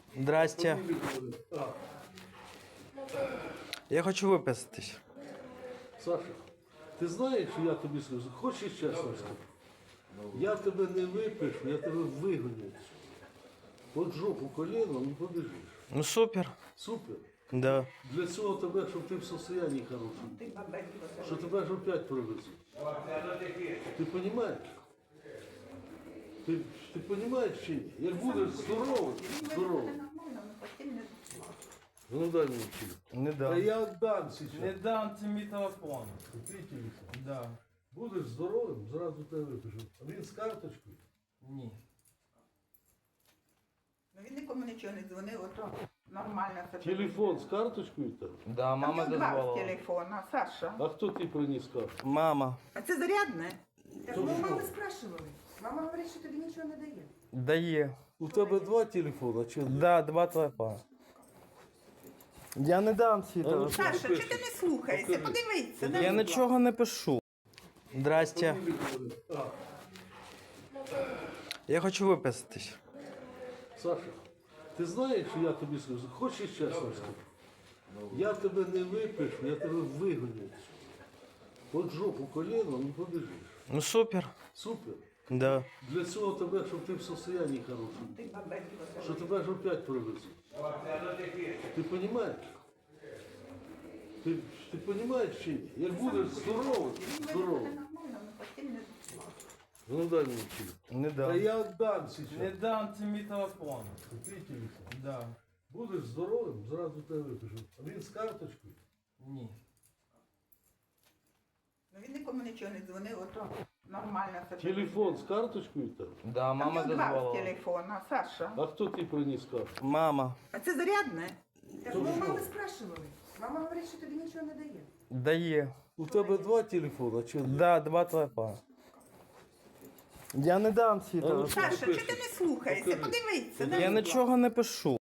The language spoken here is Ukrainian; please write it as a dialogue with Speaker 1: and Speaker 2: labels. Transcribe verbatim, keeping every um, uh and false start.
Speaker 1: Здрасте. Я хочу виписатись.
Speaker 2: Саша, ти знаєш, що я тобі скажу? Хочеш чесно скажу? Я тебе не випишу, я тебе вигоню. От жопу коленом і побіжиш.
Speaker 1: Ну супер.
Speaker 2: Супер.
Speaker 1: Да.
Speaker 2: Для цього тебе, щоб ти в состоянні хорошому. Що тебе ж опять привезуть. Ти розумієш? Ти, ти розумієш чи ні? Як будеш здоровий, здоровий. Ну дай мені телефон.
Speaker 1: Не
Speaker 2: Та
Speaker 1: дам.
Speaker 2: я віддам зараз.
Speaker 1: Не дам, це мій телефон.
Speaker 2: Твій телефон.
Speaker 1: Да.
Speaker 2: Будеш здоровим, зразу тебе випишу. А він з карточкою.
Speaker 1: Ні.
Speaker 3: Ну він нікому нічого не дзвонив, ото нормально все.
Speaker 2: Телефон з карточкою там.
Speaker 1: Да, мама
Speaker 3: Там два з
Speaker 1: дозволила.
Speaker 3: телефона, Саша.
Speaker 2: А хто ти приніс карту?
Speaker 1: Мама.
Speaker 3: А це зарядне?
Speaker 4: Так ми у мами спрашивали. Мама говорить, що тобі нічого не дає.
Speaker 1: Дає.
Speaker 2: У тебе два телефона чи один?
Speaker 1: Да, два телефона. Я не дам свій
Speaker 2: ну,
Speaker 1: телефон.
Speaker 3: Саша, чи ти не слухаєшся? Подивися. дай,
Speaker 1: Я
Speaker 3: будь
Speaker 1: нічого не пишу. Здрасте.
Speaker 2: А,
Speaker 1: Я хочу виписатись.
Speaker 2: Саша, ти знаєш, що я тобі скажу? Хочеш чесно скажу? Я тебе не випишу, я тебе вигоню. От жопу коленом і побіжиш.
Speaker 1: Ну супер.
Speaker 2: Супер.
Speaker 1: Да.
Speaker 2: Для цього тебе, щоб ти в состоянні хорошому. Що тебе ж опять привезуть. Ти розумієш? Ти, ти розумієш чи ні? Як будеш здоровий, здоровий. Ну дай мені телефон.
Speaker 1: Не
Speaker 2: Та
Speaker 1: дам.
Speaker 2: я віддам зараз.
Speaker 1: дам, це мій телефон.
Speaker 2: Твій телефон.
Speaker 1: Да.
Speaker 2: Будеш здоровим, зразу тебе випишу. А він з карточкою.
Speaker 1: Ні.
Speaker 3: Ну він нікому нічого не дзвонив, ото нормально все.
Speaker 2: Телефон з карточкою там.
Speaker 1: Да,
Speaker 3: Там
Speaker 1: мама
Speaker 3: два з
Speaker 1: дозволила.
Speaker 3: телефона, Саша.
Speaker 2: А хто ти приніс карту?
Speaker 1: Мама.
Speaker 3: А це зарядне?
Speaker 4: Так ми у мами спрашивали. Мама говорить, що тобі нічого не дає.
Speaker 1: Дає.
Speaker 2: У тебе два телефона чи один?
Speaker 1: Да, два телефона. Я не дам свій
Speaker 2: ну,
Speaker 1: телефон.
Speaker 3: Саша, чи ти не слухаєшся? Подивися. дай,
Speaker 1: Я
Speaker 3: будь
Speaker 1: нічого не пишу.